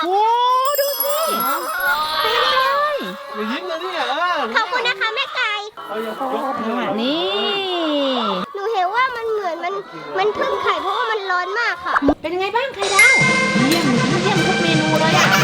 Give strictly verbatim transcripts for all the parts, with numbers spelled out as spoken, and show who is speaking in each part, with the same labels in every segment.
Speaker 1: โอ้ดูสิเต็มเลย
Speaker 2: อย่ายิ้มเลยเนี่ย
Speaker 3: ขอบคุณนะคะแม่ไก่
Speaker 1: นี่
Speaker 3: หนูเห็นว่ามันเหมือนมันมันพึ่งไข่เพราะว่ามันร้อนมากค่ะ
Speaker 1: เป็นยังไงบ้างไข่ดาวเยี่ยมเยี่ยมทุกเมนูเลยอ่ะ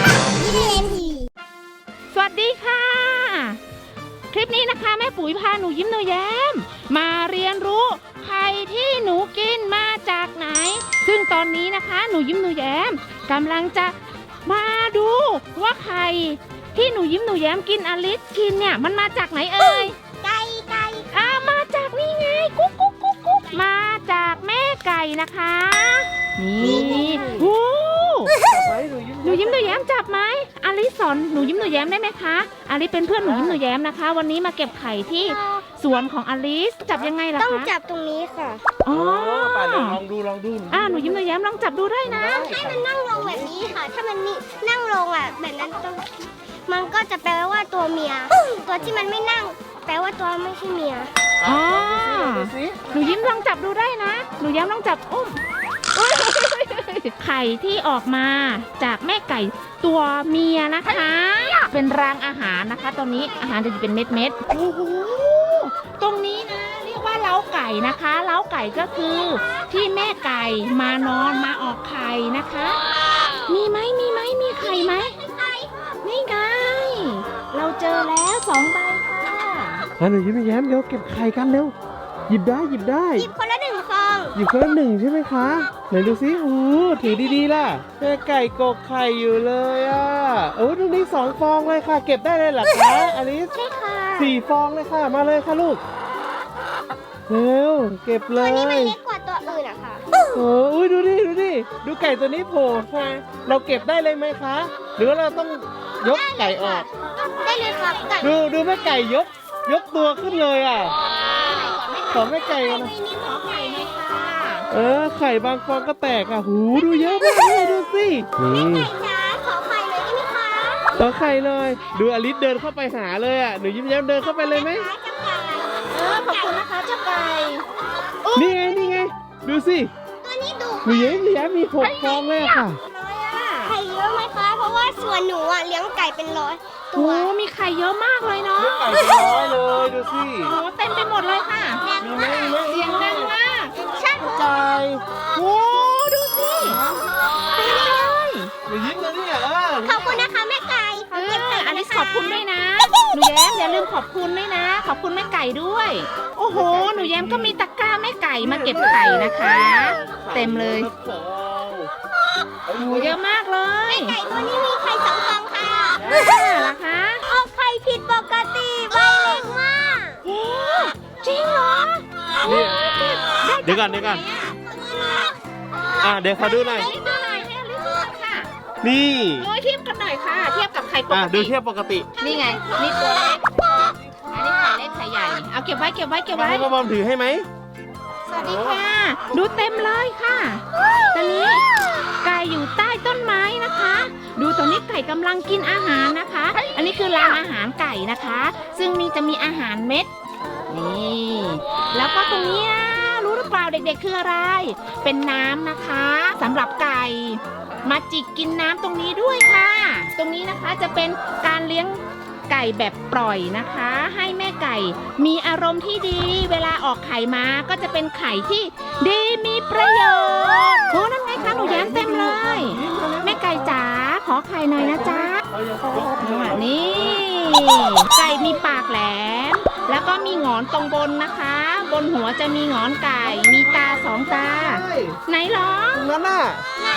Speaker 1: สวัสดีค่ะคลิปนี้นะคะแม่ปุ๋ยพาหนูยิ้มหนูแย้มมาเรียนรู้ไข่ที่หนูกินมาจากไหนซึ่งตอนนี้นะคะหนูยิ้มหนูแย้มกำลังจะมาดูว่าไข่ที่หนูยิ้มหนูแย้มกินอลิสกินเนี่ยมันมาจากไหนเอ่ย
Speaker 3: ไก่ไก่
Speaker 1: อ่ามาจากนี่ไงกุ๊กกุ๊กกุ๊กกุ๊กมาจากแม่ไก่นะคะนี่โอ้หนูยิ้มหนูแย้มจับไหมอลิสสอนหนูยิ้มหนูแย้มได้ไหมคะอลิสเป็นเพื่อนหนูยิ้มหนูแย้มนะคะวันนี้มาเก็บไข่ที่สวนของอลิสจับยังไงล่ะคะ
Speaker 3: ต้องจับตรงนี้ค่ะ
Speaker 1: อ๋อ
Speaker 2: ลองดูลองดู
Speaker 1: อ่าหนูยิ้มหนูแย้มลองจับดูได้นะ
Speaker 3: ให้มันนั่งลงแบบนี้ค่ะถ้ามันนี่นั่งลงอ่ะแบบนั้นต้องมันก็จะแปลว่าตัวเมียตัวที่มันไม่นั่งแปลว่าตัวไม่ใช่เมีย
Speaker 1: อ๋อหนูยิ้มลองจับดูได้นะหนูแย้มลองจับอุ้มไข่ที่ออกมาจากแม่ไก่ตัวเมียนะคะเป็นรางอาหารนะคะตอนนี้อาหารจะอยู่เป็นเม็ดเม็ดโอ้โหตรงนี้นะเรียกว่าเล้าไก่นะคะเล้าไก่ก็คือที่แม่ไก่มานอนมาออกไข่นะคะมีไหมมีไหมมีไข่ไหมนี่ไงเราเจอแล้วสองใบค่ะ
Speaker 2: หนูยิ้มแย้มเร็วเก็บไข่กันเร็วหยิบได้หยิบได้
Speaker 3: หยิบคนละหนึ่งฟอง
Speaker 2: หยิบคนละหนึ่งใช่ไหมคะไหนดูสิโอ้ถือดีๆล่ะแม่ไก่กกไข่อยู่เลยอ่ะโอ้ตรงนี้สองฟองเลยค่ะเก็บได้เลยเหรอคะอลิส
Speaker 3: ใช่ค่ะ
Speaker 2: สี่ฟองเลยค่ะมาเลยค่ะลูกเร็วเก็บเลย
Speaker 3: ตัวนี้มันเล็กกว่าตัวอื่นอะค่ะ
Speaker 2: โอ้ยดูดิดูดิดูไก่ตัวนี้โผล่ค่ะเราเก็บได้เลยไหมคะหรือว่าเราต้องยกไก่ออก
Speaker 3: ได้เลยครับ
Speaker 2: ดูดูแม่ไก่ยกยกตัวขึ้นเลยอ่ะขอแม่ไก่กันนะเออไข่บางฟองก็แตกอ่ะหูดูเยอะมากเลยดูสิ
Speaker 3: แม่ไก่จ้าขอไข่เลยได้ไหมคะ
Speaker 2: ขอไข่เลยดูอลิสเดินเข้าไปหาเลยอ่ะหนูยิ้มแย้มเดินเข้าไปเลยไหม
Speaker 1: เออขอบคุณนะคะเจ้าไก่
Speaker 2: นี่ไงนี่ไงดูสิ
Speaker 3: ตัวนี้ดู
Speaker 2: หนูยิ้มแย้มมีหกฟองเลยค่ะ
Speaker 3: ไข่เยอะไหมคะเพราะว่าส่วนหนูอ่ะเลี้ยงไก่เป็นร้อย
Speaker 1: โอ้มีไข่เยอะมากเลยเนาะ
Speaker 2: ไก่เป็นร้อยเลยดูสิ
Speaker 1: โอ้เต็มไปหมดเลยค่ะ
Speaker 2: มีไหมมีไหม
Speaker 1: เสียงดังมาก
Speaker 3: ใช่
Speaker 2: ไก่
Speaker 1: โอ้ดูสิเต็มเลย
Speaker 2: หนูยิ้มเลยเนี่ย
Speaker 3: ขอบคุณนะคะแม่ไก่
Speaker 1: เอออลิสขอบคุณด้วยนะหนูแย้มอย่าลืมขอบคุณด้วยนะขอบคุณแม่ไก่ด้วยโอ้โหหนูแย้มก็มีตะกร้าแม่ไก่มาเก็บไข่นะคะเต็มเลยโอ้เยอะมากเลย
Speaker 3: แม่ไก่ตัวนี้มีไข่สองฟองค่ะ
Speaker 1: เหรอคะ
Speaker 3: ออกไข่ผิดปกติใบเล็กมาก
Speaker 1: โอ้จริงเหรอ
Speaker 2: เดี๋ยวก่อนเดี๋ยวก่อนอ่ะเดี๋ยวขอดูหน่อย
Speaker 1: ดูหน่อยให้อลิซดูค่ะ
Speaker 2: นี่
Speaker 1: โอ้ยเทียบกันหน่อยค่ะเทียบกับไข่ปกติ
Speaker 2: ดูเทียบปกติ
Speaker 1: นี่ไงนี่ตัวเล็กอันนี้ไข่เล็กไข่ใหญ่เอาเก็บไว้เก็บไว้เก็บไว้
Speaker 2: พ่อบอมถือให้ไหม
Speaker 1: สวัสดีค่ะดูเต็มเลยค่ะตอนนี้ไก่อยู่ใต้ต้นไม้นะคะดูตอนนี้ไก่กำลังกินอาหารนะคะอันนี้คือรางอาหารไก่นะคะซึ่งมีจะมีอาหารเม็ดนี่แล้วก็ตรงนี้นะรู้หรือเปล่าเด็กๆคืออะไรเป็นน้ำนะคะสำหรับไก่มาจิกกินน้ำตรงนี้ด้วยค่ะตรงนี้นะคะจะเป็นการเลี้ยงไก่แบบปล่อยนะคะให้แม่ไก่มีอารมณ์ที่ดีเวลาออกไข่มาก็จะเป็นไข่ที่ดีมีประโยชน์โอ้นั่นไงคะหนูแย้มเต็มเลยแม่ไก่จ๋าขอไข่หน่อยนะจ๊ะนี่ไก่มีปากแหลมแล้วก็มีหงอนตรงบนนะคะบนหัวจะมีหงอนไก่มีตาสองตาไหนหรอ
Speaker 2: นั่นน่ะ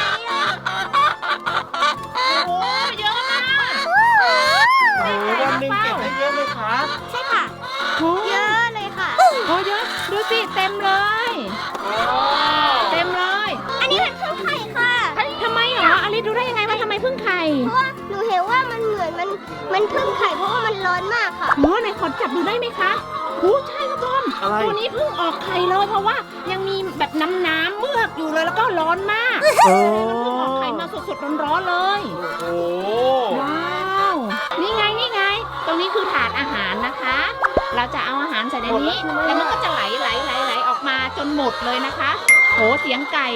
Speaker 1: โอ้เยอะมาก
Speaker 2: วันหนึ่งเก็บได้เยอะไหมคะ
Speaker 3: ใช่ค่ะเยอะเลยค่ะ
Speaker 1: โอ้เยอะดูสิเต็มเลยเต็มเลย
Speaker 3: อันนี้เป็นพึ่งไข่ค่ะ
Speaker 1: ทำไมหรออลิซดูได้ยังไงว่าทำไมพึ่งไข่
Speaker 3: เพราะว่าหนูเห็นว่ามันเหมือนมันมันพึ่งไข่เพราะว่ามันร้อนมากค่ะ
Speaker 1: โอ้ไหนขอจับดูได้ไหมคะโอ้ใช่ครับบอมตัวนี้เพิ่งออกไข่เลยเพราะว่ายังมีแบบน้ำน้ำเมือกอยู่เลยแล้วก็ร้อนมากเพิ่งออกไข่มาสดๆร้อนๆเลย
Speaker 2: โอ้
Speaker 1: ว้าวนี่ไงนี่ไงตรงนี้คือถาดอาหารนะคะเราจะเอาอาหารใส่ในนี้แล้วมันก็จะไหลไหลไหลไหลออกมาจนหมดเลยนะคะโหเสียงไก่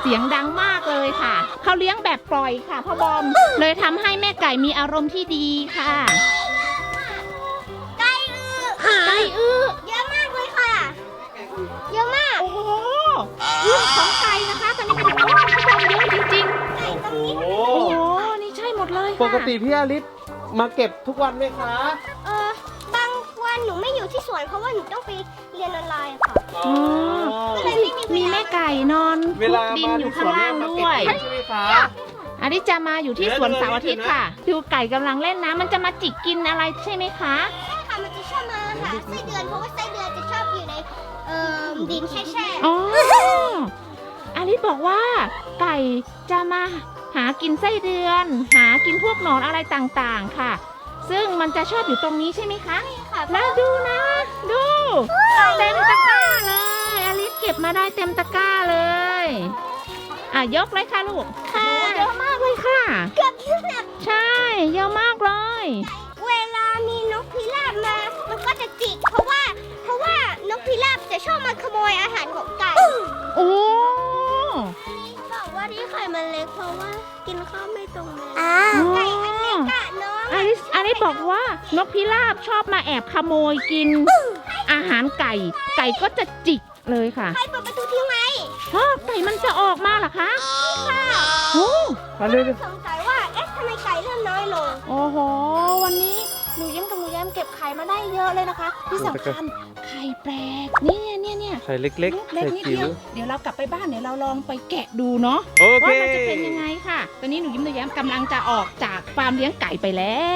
Speaker 1: เสียงดังมากเลยค่ะเขาเลี้ยงแบบปล่อยค่ะพ่อบอมเลยทำให้แม่ไก่มีอารมณ์ที่ดีค่ะ
Speaker 3: ไก่อื้อ
Speaker 1: ไก่อื้อ
Speaker 3: เยอะมากเลยค่ะ เยอะมาก
Speaker 1: โอ้โหอื้อของไก่นะคะตอนนี้เป็นของพ่อบอมเยอะจริง
Speaker 3: ไก่ตรงนี้
Speaker 2: โอ้
Speaker 1: ๆโอ้โหนี่ใช่หมดเลยค่ะ
Speaker 2: ปกติพี่อาริสมาเก็บทุกวันไหมคะ
Speaker 3: เออบางวันหนูไม่อยู่ที่สวนเพราะว่าหนูต้องไปเรียนออนไลน์ค่ะ
Speaker 2: อ๋อ
Speaker 3: ก็เลยไม่มีเวลา
Speaker 1: มีแม่ไก่นอน
Speaker 2: เวลา
Speaker 1: ดิน
Speaker 2: มา
Speaker 1: อยู่
Speaker 2: ที่ส
Speaker 1: ข้าง
Speaker 2: วน
Speaker 1: ล่าง
Speaker 2: เนี่ยมา
Speaker 1: ด้
Speaker 2: เก็บ
Speaker 1: วย
Speaker 2: เองใช่ไหมคะ
Speaker 1: อันนี้จะมาอยู่ที่สวนเสาร์อาทิตย์ค่ะ ดูไก่กำลังเล่นน้ำมันจะมาจิกกินอะไรใช่ไหมคะ
Speaker 3: ใช่ค่ะ มันจะชอบมาหาไส้เดือนเพราะว่าไส้เดือนจะชอบอยู่ในเอ่อดินแช่ๆ
Speaker 1: อ๋ออาริสบอกว่า ไก่จะมาหากินไส้เดือน หากินพวกหนอนอะไรต่างๆค่ะ ซึ่งมันจะชอบอยู่ตรงนี้ใช่ไหมคะ
Speaker 3: ค่ะ
Speaker 1: แล้วดูนะ ดูเต็มตะกร้าเลยอาริสเก็บมาได้เต็มตะกร้าเลยอ่ะยกเลยค่ะลูกค่ะเยอะมากเลยค่ะ
Speaker 3: เกือบที่แบบ
Speaker 1: ใช่เยอะมากเลย
Speaker 3: เวลามีนกพิราบมา มันก็จะจิก เพราะว่า เพราะว่านกพิราบจะชอบมาขโมยอาหารของไก่
Speaker 1: โอ้
Speaker 3: บอกว่าที่ไข่มันเล็กเพราะว่ากินข้าวไม่ตรงเวลาไก่อันเล็กอะน้อง
Speaker 1: อาริสอาริสบอกว่านกพิราบชอบมาแอบขโมยกิน อาหารไก่ ไก่ก็จะจิกเลยค่ะ
Speaker 3: ใครเปิดประตูทิ้งไว้
Speaker 1: ฮะไก่มันจะออกมาเหรอคะ
Speaker 3: ค่ะ
Speaker 1: โอ้
Speaker 2: มาเร็ว
Speaker 3: สงสัยว่า เอ๊ะทำไมไก่เริ่มน้อยลง
Speaker 1: โอ้โห วันนี้หนูยิ้มกับหนูแย้มเก็บไข่มาได้เยอะเลยนะคะ ที่สำคัญไข่แปลกเนี่ยเนี่ยเนี่ย
Speaker 2: ๆไข่เล็กๆ
Speaker 1: เล็
Speaker 2: ไข่
Speaker 1: กๆนิด
Speaker 2: จิ๋
Speaker 1: เดี
Speaker 2: ว
Speaker 1: ยวเดี๋ยวเรากลับไปบ้านเดี๋ยวเราลองไปแกะดูเนาะ
Speaker 2: โอเค
Speaker 1: ว่ามันจะเป็นยังไงค่ะ ตอนนี้หนูยิ้มหนูแย้มกำลังจะออกจากฟาร์มเลี้ยงไก่ไปแล้ว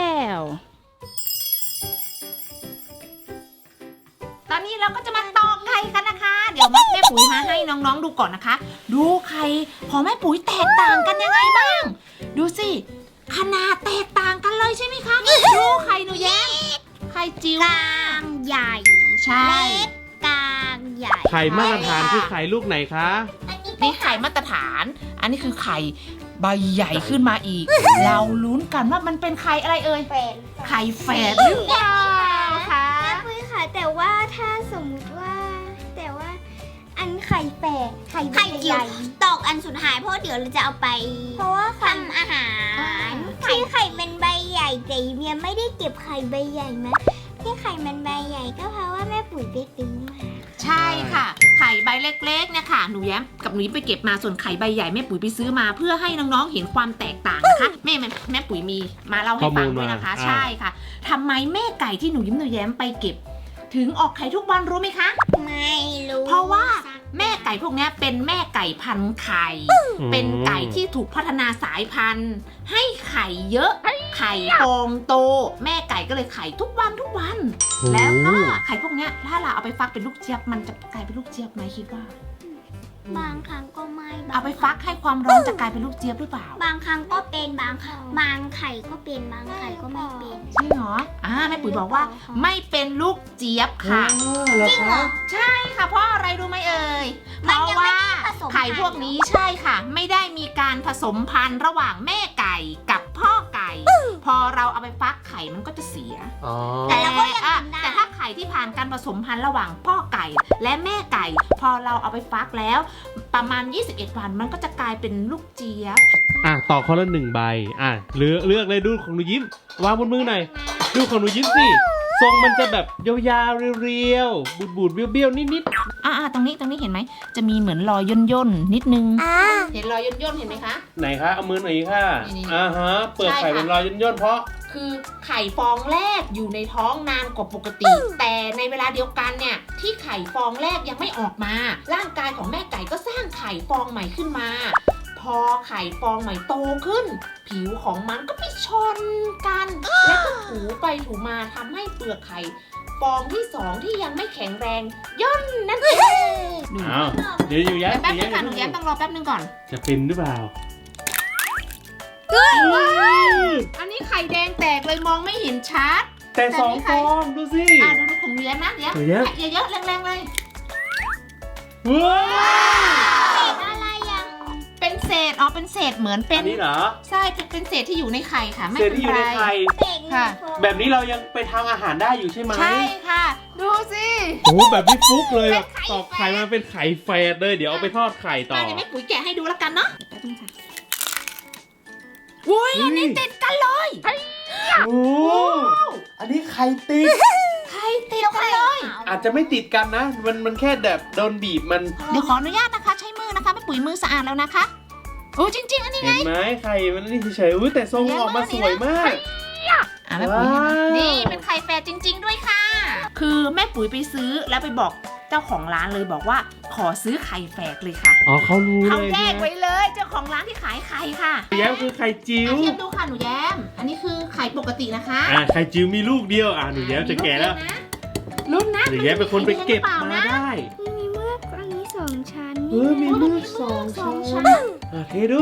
Speaker 1: ตอนนี้เราก็จะมาตอกไข่กันนะคะ เดี๋ยวแม่ปุ๋ยมาให้น้องๆดูก่อนนะคะ ดูไข่ของแม่ปุ๋ยแตกต่างกันยังไงบ้าง ดูสิขนาดแตกต่างกันเลยใช่ไหมคะดูไข่หนูแย้มไข่จิ๋ว
Speaker 3: กลางใหญ่
Speaker 1: ใช่
Speaker 3: เล็กกลางใหญ่
Speaker 2: ไข่มาตรฐานคือไข่ลูกไหนคะ
Speaker 1: นี่ไข่มาตรฐาน อันนี้คือไข่ใบใหญ่ขึ้นมาอีก เราลุ้นกันว่ามันเป็นไข่อะไรเอ่ย
Speaker 3: เป็น
Speaker 1: ไข่แฝดหรือเปล่าคะ
Speaker 3: แม่ปุ้ยค่ะแต่ว่าถ้าสมมุติว่า แต่ว่าอันไข่แปดไข่
Speaker 4: ไข่จิ๋
Speaker 3: ให
Speaker 4: ว
Speaker 3: ญ่
Speaker 4: ตอกอันสุดท้ายเพราะเดี๋ยวเราจะเอาไป
Speaker 3: เพราะว่าไข่
Speaker 4: ทำอาหารที่ไข่เป็นใบใหญ่แต่เมียไม่ได้เก็บไข่ใบใหญ่นะที่ไข่มันใบใหญ่ก็เพราะว่าแม่ปุ๋ยไปซื้อมา
Speaker 1: ใช่ค่ะ ไข่ใบเล็กๆเนี่ยค่ะหนูแย้มกับหนูยิ้มไปเก็บมาส่วนไข่ใบใหญ่แม่ปุ๋ยไปซื้อมา เพื่อให้น้องๆเห็นความแตกต่างนะคะแม่แม่แม่ปุ๋ยมีมาเล่าให้ฟังด้วยนะคะ
Speaker 2: ข้อมูลมา
Speaker 1: ใช่ค่ะทำไมแม่ไก่ที่หนูยิ้มหนูแย้มไปเก็บ ถึงออกไข่ทุกวันรู้ไหมคะ
Speaker 4: ไม่รู้
Speaker 1: เพราะว่าแม่ไก่พวกเนี้ยเป็นแม่ไก่พันธุ์ไข่ เป็นไก่ที่ถูกพัฒนาสายพันธุ์ ให้ไข่เยอะ ไข่ฟองโต แม่ไก่ก็เลยไข่ทุกวันทุกวัน แล้วก็ไข่พวกเนี้ยถ้าเราเอาไปฟักเป็นลูกเจี๊ยบมันจะกลายเป็นลูกเจี๊ยบไหมคิดว่า
Speaker 4: บางครั้งก็ไม่บา
Speaker 1: เอา
Speaker 4: ง
Speaker 1: ไปฟักให้ความร้อนจะกลายเป็นลูกเจี๊ยบหรือเปล่า
Speaker 4: บางครั้งก็เป็นบางครั้งบางไข่ก็เป็นบางไข่ก็ไม่เป็น
Speaker 1: จริงเหรออ่าแม่ปุ๋ยบอกว่าไม่เป็นลูกเจี๊ยบค่ะ
Speaker 2: จริงเหรอ
Speaker 1: ใช่ค่ะ เพราะอะไรรู้ไหมเอ่ย เพ
Speaker 4: มัน
Speaker 1: ราะ
Speaker 4: ยังไม่
Speaker 1: ว่า
Speaker 4: ได้ผสม
Speaker 1: ไข่พวกนี้ใช่ค่ะ ไม่ได้มีการผสมพันธุ์ระหว่างแม่ไก่กับพ่อไก่ พอเราเอาไปฟักไข่มันก็จะเสีย
Speaker 2: อ๋อ
Speaker 4: แต่เราก็ยัง
Speaker 1: อ่ะ
Speaker 4: กินได้
Speaker 1: แต่ถ้าไข่ที่ผ่านการผสมพันธุ์ระหว่างพ่อไก่และแม่ไก่ พอเราเอาไปฟักแล้ว ประมาณยี่สิบเอ็ดวันมันก็จะกลายเป็นลูกเจี๊ยบ
Speaker 2: อ่ะต่อคนละหนึ่งใบอ่ะเลือกเลือกเลยดูของหนูยิ้มวางบนมือหน่อยดูของหนูยิ้มสิทรงมันจะแบบยาวๆเรียวๆบูดๆเบี้ยวๆนิด
Speaker 1: อ่าตรงนี้ตรงนี้เห็นไหมจะมีเหมือนรอยย่นย่นๆนิดนึง
Speaker 4: อ่า
Speaker 1: เห็นรอยย่นย่นๆเห็นไหมคะ
Speaker 2: ๆไหนคะเอามือหน่อยค่ะ
Speaker 1: นี่ๆ
Speaker 2: อ่าฮะเปิด
Speaker 1: ใช่
Speaker 2: ไข่
Speaker 1: ค่ะ
Speaker 2: เป็นรอยย่นๆเพราะ
Speaker 1: คือไข่ฟองแรกอยู่ในท้องนานกว่าปกติ แต่ในเวลาเดียวกันเนี่ยที่ไข่ฟองแรกยังไม่ออกมา ร่างกายของแม่ไก่ก็สร้างไข่ฟองใหม่ขึ้นมา พอไข่ฟองใหม่โตขึ้น ผิวของมันก็ไปชนกัน แล้วก็ถูไปถูมาทำให้เปลือกไข่ฟองที่สองที่ยังไม่แข็งแรง ย่นนั่นเอง
Speaker 2: อ้าวเดี๋ยวอยู่ย้าย
Speaker 1: แป๊บนึงค่ะห
Speaker 2: อ
Speaker 1: นู
Speaker 2: ยู่
Speaker 1: แย้มต้องรอแป๊บนึงก่อน
Speaker 2: จะเป็นหรือเปล่า
Speaker 1: อันนี้ไข่แดงแตกเลยมองไม่เห็นชัด
Speaker 2: แต่สองฟองดูสิ
Speaker 1: อ่าดูดูของหนูแย้มนะเดี๋ยว
Speaker 2: หนูแย้ม
Speaker 1: แตะเยอะๆแรงๆเลย
Speaker 2: ว้าว
Speaker 4: อะไรอ่ะ
Speaker 1: เป็นเศษอ๋อเป็นเศษเหมือนเป็
Speaker 2: อั
Speaker 1: น
Speaker 2: นนี้เหรอ
Speaker 1: ใช่เป็นเศษที่อยู่ในไข่ค่ะไม่
Speaker 2: เศษ
Speaker 1: เป็น
Speaker 2: ที่อยู่
Speaker 1: ไร
Speaker 2: ในไข่
Speaker 4: เด็กหนึ่ง
Speaker 1: ค่ะ
Speaker 4: ฟอง
Speaker 2: แบบนี้เรายังไปทำอาหารได้อยู่ใช่ไหม
Speaker 1: ใช่ค่ะดูสิ
Speaker 2: โอ้โหแบบพี่ฟุกเลยแบบ
Speaker 1: เป็นไข่
Speaker 2: ตอกไข่มาเป็นไข่แฝดเลยเดี๋ยวเอาไปทอดไข่ต่อ
Speaker 1: มาเดี๋ยวแม่ปุ๋ยแกะให้ดูแล้วกันเนาะแป๊บนึงค่ะอุ้ยอันนี้ติดกันเลย
Speaker 2: โอ้อันนี้ไข่ติด
Speaker 1: ไข่ติดกันเลย
Speaker 2: อาจจะไม่ติดกันนะ มันมันแค่แบบโดนบีบมัน
Speaker 1: เดี๋ยวขออนุญาตนะคะ ใช้มือนะคะแม่ปุ๋ยมือสะอาดแล้วนะคะโอ้จริง ๆ อันนี้ไง
Speaker 2: เห็นไหมไข่มันนี่เฉยๆอุ้ยแต่ทรงออกมาสวยมาก
Speaker 1: อ่ะแม่ปุ๋ยให้นะ
Speaker 2: ว้าว
Speaker 1: นี่เป็นไข่แฝดจริง ๆ ด้วยค่ะ คือแม่ปุ๋ยไปซื้อแล้วไปบอกเจ้าของร้านเลยบอกว่าขอซื้อไข่แฝดเลยค่ะ
Speaker 2: อ๋อเขารู้
Speaker 1: เขา
Speaker 2: เลย
Speaker 1: แยกไว้เลยเจ้าของร้านที่ขายไข่ค่ะ
Speaker 2: แย้มคือไข่จิ๋ว
Speaker 1: อ่ะเทียบดูค่ะหนูแย้ม อันนี้คือไข่ปกตินะคะ
Speaker 2: อ่าไข่จิ๋วมีลูกเดียวอ่าหนูแย้มจะแก่แล้ว
Speaker 1: รุ่นนะ
Speaker 2: หนูแย้มเป็นคนไปเก็บ
Speaker 1: ไข่แดงหรือเปล่
Speaker 2: มาได้
Speaker 3: มีเมือกอันนี้สองชั้น
Speaker 2: เออมี
Speaker 1: โอ้ย
Speaker 2: ลู
Speaker 1: มัน
Speaker 2: ก
Speaker 1: มี
Speaker 2: สอง
Speaker 1: สอง
Speaker 2: ชั้
Speaker 1: ชั้
Speaker 2: น
Speaker 1: น
Speaker 2: อ่ะเทดู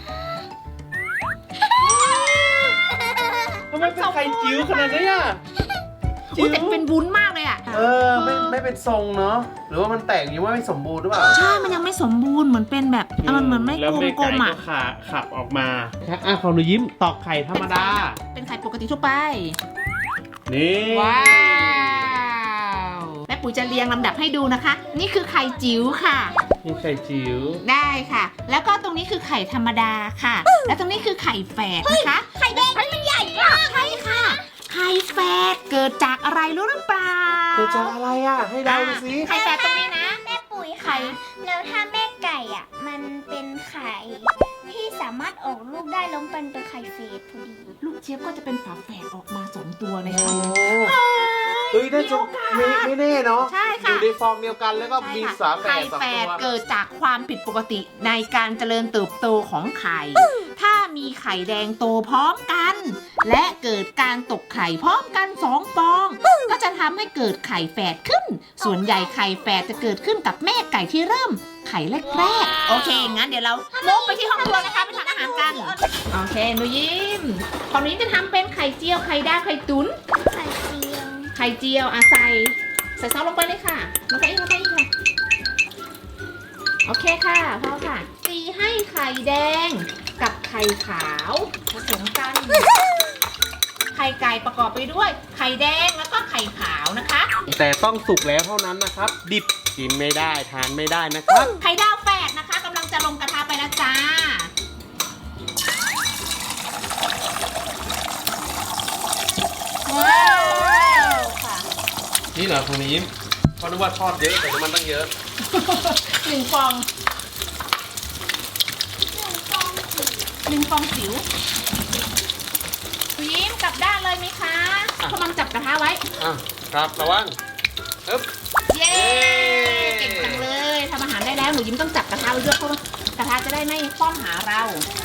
Speaker 2: ทำไมเป็นไข่จิ๋วขนาดนี้อ่ะ
Speaker 1: อุ้ยแต่เป็นวุ้นมากเลยอ่ะ
Speaker 2: เออไม่ไม่เป็นทรงเนาะหรือว่ามันแตกยังว่าไม่สมบูรณ์หรือเปล่า
Speaker 1: ใช่ มันยังไม่สมบูรณ์เหมือนเป็นแบบอ่ะมันเหมือนไม่
Speaker 2: แล้ว
Speaker 1: กล
Speaker 2: แม่
Speaker 1: ม
Speaker 2: ไก่
Speaker 1: ๆอ่ะ
Speaker 2: ก็ขาขับออกมาอ่ะของหนูยิ้มตอกไข่ธรรมดา
Speaker 1: เป็นไข่ปกติทั่วไป
Speaker 2: นี่
Speaker 1: ว้าวแม่ปุ๋ยจะเรียงลำดับให้ดูนะคะ นี่คือไข่จิ๋วค่ะ
Speaker 2: นี่ไข่จิ๋ว
Speaker 1: ได้ค่ะ แล้วก็ตรงนี้คือไข่ธรรมดาค่ะ แล้วตรงนี้คือไข่แฝดนะคะ
Speaker 3: ไข่แดงนี่มันใหญ่มาก
Speaker 1: ใช่ค่ะ ไข่แฝดเกิดจากอะไรรู้หรือเปล่า
Speaker 2: เกิดจากอะไรอ่ะ ให้เดาดูสิ
Speaker 1: ไข่แฝดตรงนี้นะ
Speaker 4: แม่ปุ๋ยค่ะแล้วถ้าแม่ไก่อ่ะ มันเป็นไข่ที่สามารถออกลูกได้แล้วมันเป็นไข่เฟสพอดี
Speaker 1: ลูกเจี๊ยบก็จะเป็นฝาแฝดออกมาสองตัวเลย
Speaker 2: โอ้
Speaker 1: ค่ะ
Speaker 2: เฮ้ยน่าจะ
Speaker 1: มีโอกาส
Speaker 2: ไม่ไม่แน่เนาะ
Speaker 1: ใช่
Speaker 2: อ
Speaker 1: ค่ะ
Speaker 2: ยู่ในฟองเดียวกันแล้วก็มีฝาแฝ
Speaker 1: ไข่
Speaker 2: ดสอง
Speaker 1: แฝ
Speaker 2: ตั
Speaker 1: ด
Speaker 2: ว
Speaker 1: เกิดจากความผิดปกติในการเจริญเติบโตของไข่ ถ้ามีไข่แดงโตพร้อมกัน และเกิดการตกไข่พร้อมกันสองฟอง ก็จะทำให้เกิดไข่แฝดขึ้น ส่วนใหญ่ไข่แฝดจะเกิดขึ้นกับแม่ไก่ที่เริ่มไข่แรกๆโอเคงั้นเดี๋ยวเราลงไปที่ห้องครัวนะคะไปทำอาหารกันโอเคหนูยิ้มของหนูยิ้มจะทำเป็นไข่เจียวไข่ดาวไข่ตุ๋น
Speaker 3: ไข่เจียว
Speaker 1: ไข่เจียวอ่ะใส่ใส่ซอสลงไปเลยค่ะลงไปอีกลงไปอีกค่ะโอเคค่ะพอค่ะตีให้ไข่แดงกับไข่ขาวผสมกัน ไข่ไก่ประกอบไปด้วยไข่แดงแล้วก็ไข่ขาวนะคะ
Speaker 2: แต่ต้องสุกแล้วเท่านั้นนะครับ ดิบกินไม่ได้ทานไม่ได้นะครับ
Speaker 1: ไข่ดาวแฝดนะคะกำลังจะลงกระทะไปแล้วจ้าว้าวค่ะ
Speaker 2: นี่เหรอคุณยิ้มเพราะนึกว่าทอดเยอะแต่น้ำมันตั้งเยอะ
Speaker 1: หนึ่งฟองหนึ่งฟองจิ๋วคุณยิ้มกลับด้านเลยไหมคะ
Speaker 2: อ่ะ
Speaker 1: กำลังจับกระทะไว้
Speaker 2: อ่ะครับระวังอึ๊บ
Speaker 1: เย้ เก่งจังเลยทำอาหารได้แล้วหนูยิ้มต้องจับกระทะไว้ด้วยเพราะว่ากระทะจะได้ไม่คว่ำหาเรา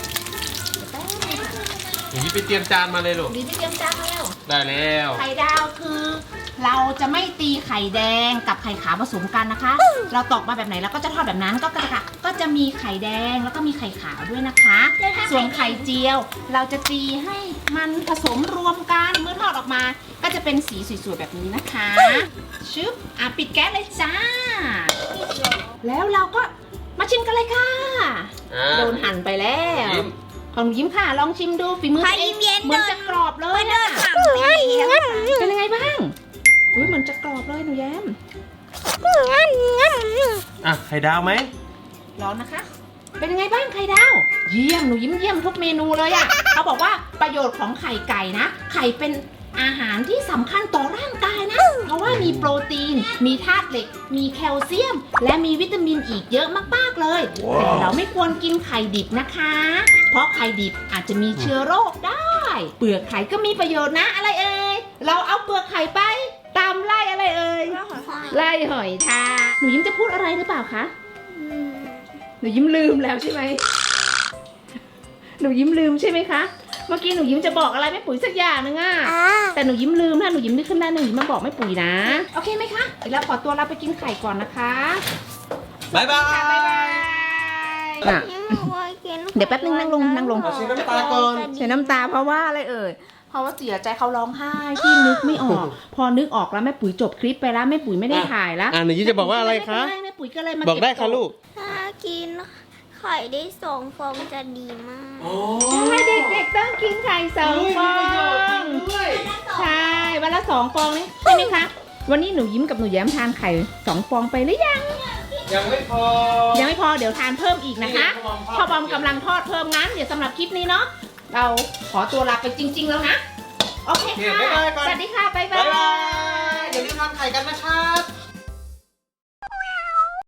Speaker 2: อย่างนี้ไปเตรียมจานมาเลยลูก
Speaker 1: หนูยิ้มไปเตรียมจานมาแล้ว
Speaker 2: ได้แล้ว
Speaker 1: ไข่ดาวคือ เราจะไม่ตีไข่แดงกับไข่ขาวผสมกันนะคะ เราตอกมาแบบไหนเราก็จะทอดแบบนั้นก็กระก็จะมีไข่แดงแล้วก็มีไข่ขาวด้วยนะคะ ส่วนไข่เจียว เราจะตีให้มันผสมรวมกันเมื่อทอดออกมา ก็จะเป็นสีสวยๆแบบนี้นะคะชึบอ่ะปิดแก๊สเลยจ้า แล้วเราก็มาชิมกันเลยค่ะ
Speaker 2: อ่า
Speaker 1: โดนหั่นไปแล้ว
Speaker 2: ยิ้ม
Speaker 1: ของหนูยิ้มค่ะลองชิมดูฝีมือ
Speaker 4: ใคร
Speaker 1: ตัวเอง
Speaker 4: เย็นๆ
Speaker 1: เหมือนจะกรอบเลยนะ
Speaker 4: ถามไปแล้วค่ะ
Speaker 1: เป็นยังไงบ้างอุ้ยเหมือนจะกรอบเลยหนูแย้ม
Speaker 2: อ่ะไข่ดาวไหม
Speaker 1: ร้อนนะคะ เป็นยังไงบ้างไข่ดาว เยี่ยมหนูยิ้มเยี่ยมทุกเมนูเลยอะ เขาบอกว่าประโยชน์ของไข่ไก่นะ ไข่เป็นอาหารที่สำคัญต่อร่างกายนะ เพราะว่ามีโปรตีน มีธาตุเหล็ก มีแคลเซียม และมีวิตามินอีกเยอะมากๆเลย แต่เราไม่ควรกินไข่ดิบนะคะ เพราะไข่ดิบอาจจะมีเชื้อโรคได้ เปลือกไข่ก็มีประโยชน์นะ อะไรเอ่ย เราเอาเปลือกไข่ไปตามไล่อะไรเอ่ย ไล่หอยทากหนูยิ้มจะพูดอะไรหรือเปล่าคะ หนูยิ้มลืมแล้วใช่ไหม หนูยิ้มลืมใช่ไหมคะ เมื่อกี้หนูยิ้มจะบอกอะไรแม่ปุ๋ยสักอย่างนึงอะ
Speaker 3: อ่า
Speaker 1: แต่หนูยิ้มลืมนะหนูยิ้มนึกขึ้นได้หนูยิ้มมาบอกแม่ปุ๋ยนะ โอเคไหมคะเดี๋ยวเราขอตัวเราไปกินไข่ก่อนนะคะ
Speaker 2: บ๊ายบาย
Speaker 1: ค่ะบ๊ายบายอ่ะ เดี๋ยวแป๊บนึงนั่งลงนั่งลง
Speaker 2: เอาชิ้นน้ำตาก่อน
Speaker 1: เสียน้ำตาเพราะว่าอะไรเอ่ย เพราะว่าเสียใจเขาร้องไห้ที่นึกไม่ออก พอนึกออกแล้วแม่ปุ๋ยจบคลิปไปแล้วแม่ปุ๋ยไม่ได้ถ่ายแล้ว
Speaker 2: อ่ะหนูยิ้มจะบอกว่าอะไรคะ
Speaker 1: แม่ปุ๋ยก็เลยมา
Speaker 2: บอกได้ค่ะลูก
Speaker 3: ถ้ากินไข่ได้สองฟองจะดีมาก
Speaker 2: โอ้
Speaker 1: ใช่เด็กๆต้องกินไข่สองฟอง
Speaker 2: ด้วย
Speaker 1: ใช่วันละสองฟองนี่ใช่ไหมคะวันนี้หนูยิ้มกับหนูแย้มทานไข่สองฟองไปหรือยัง
Speaker 2: ยังไม่พอ
Speaker 1: ยังไม่พอเดี๋ยวทานเพิ่มอีกนะคะพ่อบอมกำลังทอดเพิ่มงั้นเดี๋ยวสำหรับคลิปนี้เนาะเราขอตัวลาไปจริง ๆ แล้วนะโอเคค่ะสวัสดีค่ะบ๊ายบา
Speaker 2: บ๊ายบาย
Speaker 1: ย
Speaker 2: อย่าลืมทานไข่กันนะครับ